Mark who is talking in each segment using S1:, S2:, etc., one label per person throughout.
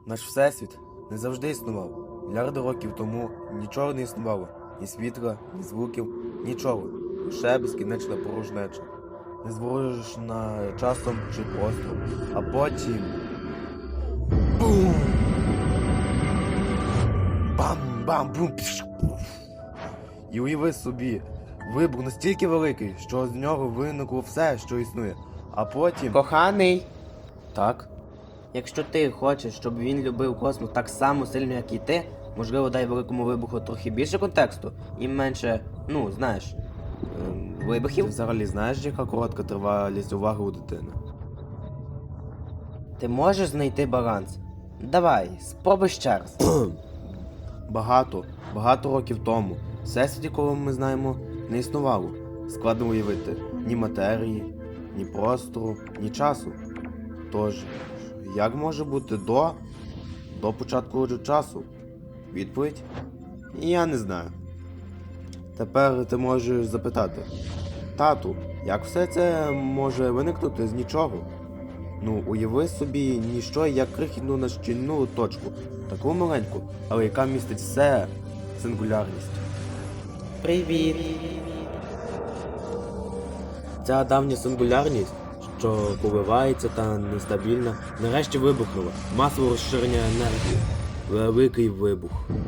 S1: Наш всесвіт не завжди існував. Мільярди років тому нічого не існувало. Ні світла, ні звуків, нічого. Лише безкінечна порожнеча. Незворожена часом чи простором. А потім... Бум! Бам-бам-бум! І уяви собі, вибух настільки великий, що з нього виникло все, що існує. А потім...
S2: Коханий,
S1: Так?
S2: якщо ти хочеш, щоб він любив космос так само сильно, як і ти, можливо, дай великому вибуху трохи більше контексту і менше, знаєш,
S1: Ти
S2: вибухів.
S1: взагалі знаєш, яка коротка тривалість уваги у дитини?
S2: Ти можеш знайти баланс. Давай, спробуй ще раз.
S1: Багато років тому всесвіт, якого ми знаємо, не існувало. Складно уявити ні матерії, ні простору, ні часу. Тож, як може бути до початку часу? Відповідь? Я не знаю. Тепер ти можеш запитати: тату, як все це може виникнути з нічого? Уяви собі ніщо, як крихітну нащільну точку, таку маленьку, але яка містить все, сингулярність.
S2: Привіт.
S1: Ця давня сингулярність, що коливається та нестабільна, нарешті вибухнула. Масове розширення енергії. Великий вибух.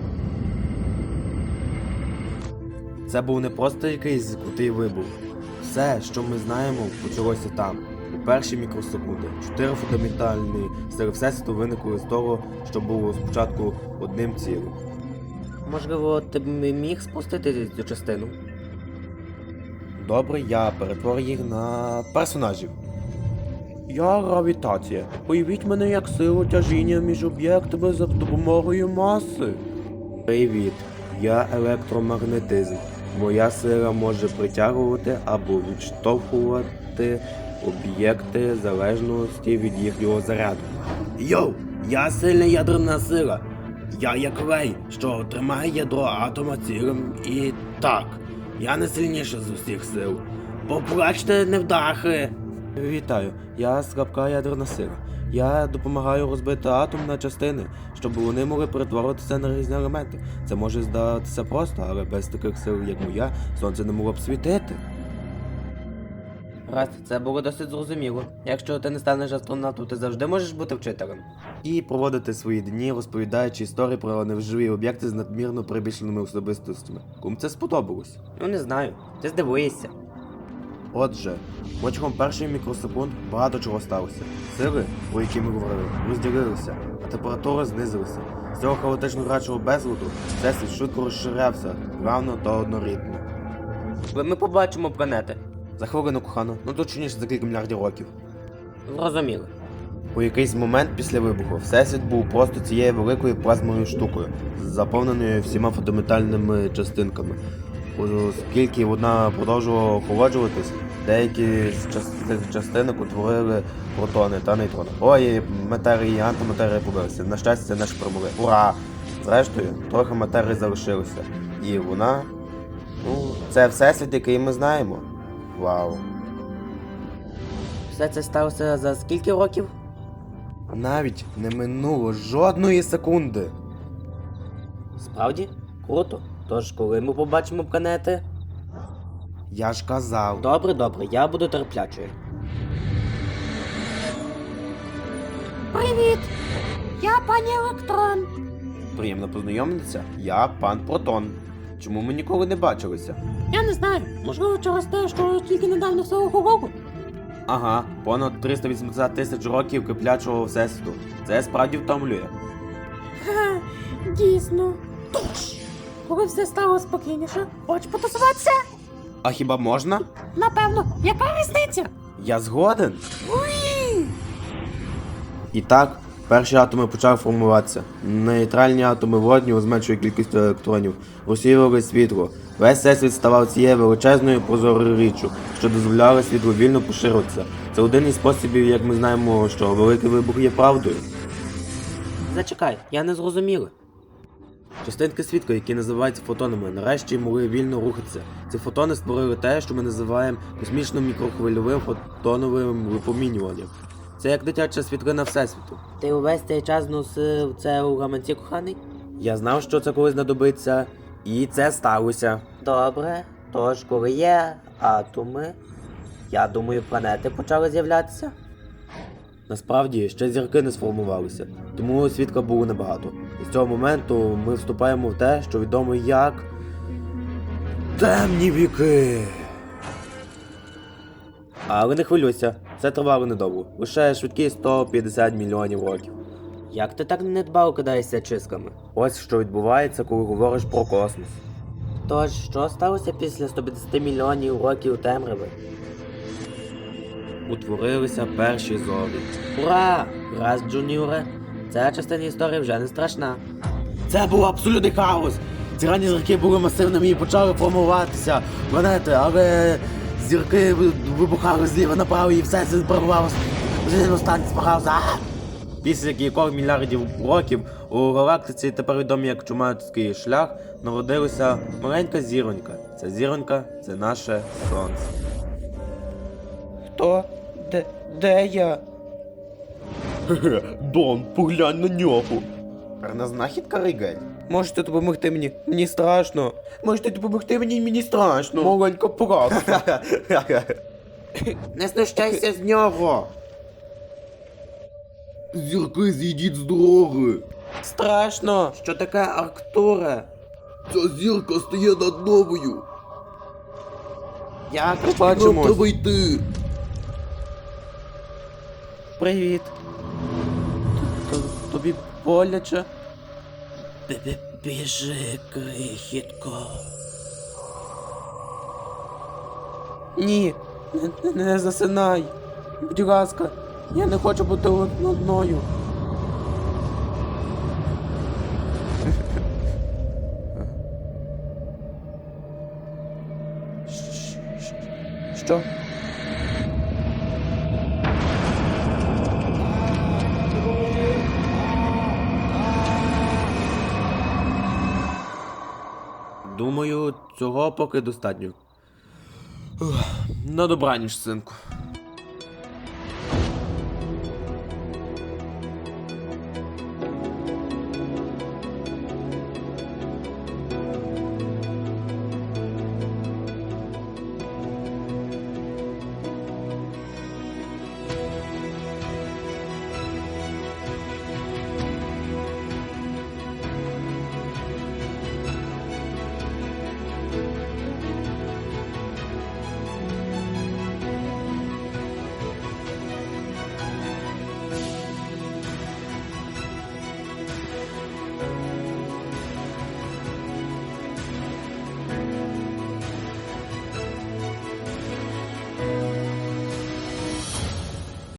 S1: Це був не просто якийсь крутий вибух. Все, що ми знаємо, почалося там. У перші мікросекунди. 4 фундаментальні сили Всесвіту виникли з того, що було спочатку одним цілим.
S2: Можливо, ти б міг спустити цю частину?
S1: Добре, я перетворю їх на персонажів. Я гравітація. Уявіть мене як силу тяжіння між об'єктами за допомогою маси. Привіт, я електромагнетизм. Моя сила може притягувати або відштовхувати об'єкти в залежності від їхнього заряду. Йоу, я сильна ядерна сила. Я як лей, що тримає ядро атома цілим і так. Я найсильніша з усіх сил. Поплачте, невдахи! Вітаю, я слабка ядерна сила. Я допомагаю розбити атом на частини, щоб вони могли перетворитися на різні елементи. Це може здатися просто, але без таких сил, як моя, сонце не могло б світити.
S2: Раз, це було досить зрозуміло. Якщо ти не станеш астронавтом, ти завжди можеш бути вчителем.
S1: І проводити свої дні, розповідаючи історії про невживі об'єкти з надмірно прибільшеними особистостями. Кому це сподобалось?
S2: Не знаю, ти здивуєшся.
S1: Отже, протягом перших мікросекунд багато чого сталося. Сили, про які ми говорили, розділилися, а температура знизилася. З цього хаотично грачого безладу всесвіт швидко розширявся, плавно та однорідно.
S2: Коли ми побачимо планети.
S1: За хвилину, кохано, точніше за кілька мільярдів років.
S2: Зрозуміло.
S1: У якийсь момент після вибуху всесвіт був просто цією великою плазмовою штукою, заповненою всіма фундаментальними частинками. Оскільки вона продовжувала охолоджуватись, деякі з цих частинок утворили протони та нейтрони. Ой, матерії і антиматерії побилися. На щастя, це наші промови. Ура! Зрештою, трохи матерії залишилося. І вона... це всесвіт, який ми знаємо. Вау.
S2: Все це сталося за скільки років?
S1: Навіть не минуло жодної секунди.
S2: Справді? Круто. Тож, коли ми побачимо планети?
S1: Я ж казав.
S2: Добре, я буду терплячою.
S3: Привіт! Я пані Електрон.
S1: Приємно познайомитися. Я пан Протон. Чому ми ніколи не бачилися?
S3: Я не знаю, можливо, через те, що тільки недавно все охололо.
S1: Ага, понад 380 тисяч років киплячого всесвіту. Це справді втомлює.
S3: Ха, дійсно. Тож, коли все стало спокійніше, хочеш потусуватися?
S1: А хіба можна?
S3: Напевно, яка різниця?
S1: Я згоден. І так, перші атоми почали формуватися. Нейтральні атоми водню з меншою кількістю електронів розсіювали світло. Весь всесвіт ставав цією величезною прозорою річчю, що дозволяла світлу вільно поширитися. Це один із способів, як ми знаємо, що великий вибух є правдою.
S2: Зачекай, я не зрозуміла.
S1: Частинки світла, які називаються фотонами, нарешті могли вільно рухатися. Ці фотони створили те, що ми називаємо космічним мікрохвильовим фотоновим випромінюванням.
S2: Це як дитяча світлина Всесвіту. Ти увесь цей час носив це у гаманці, коханий? Я знав, що це колись знадобиться, і це сталося. Добре, тож коли є атоми, я думаю, планети почали з'являтися. Насправді, ще зірки не сформувалися, тому світла було небагато. І з цього моменту ми вступаємо в те, що відомо як темні віки. Але не хвилюйся, це тривало недовго. Лише швидкі 150 мільйонів років. Як ти так недбало кидаєшся чисками? Ось що відбувається, коли говориш про космос. Тож, що сталося після 150 мільйонів років темряви? Утворилися перші зорі. Ура! Раз, Джуніоре! Ця частина історії вже не страшна.
S1: Це був абсолютний хаос. Ці ранні зірки були масивними і почали формуватися планети, але зірки вибухали зліва направо і все це перебувалося. Останній збирався. Після кількох мільярдів років у галактиці, тепер відомі як Чумацький шлях, народилася маленька зіронька. Ця зіронька – це наше сонце. Хто? Де я? Дон, поглянь на нього. Гарна знахідка, Ригель. Можете допомогти мені? Мені страшно. Можете допомогти мені? Мені страшно. Маленька поразка.
S2: Не знущайся з нього!
S1: Зірки, зійдіть з дороги. Страшно.
S2: Що таке Арктура?
S1: Ця зірка стає над новою.
S2: Як ми
S1: Нам
S2: бачимо?
S1: треба йти. Привіт. Тобі боляче?
S2: Біжи, крихітко.
S1: Ні, не засинай. Будь ласка, я не хочу бути одною. Що? Думаю, цього поки достатньо. На добраніч, синку.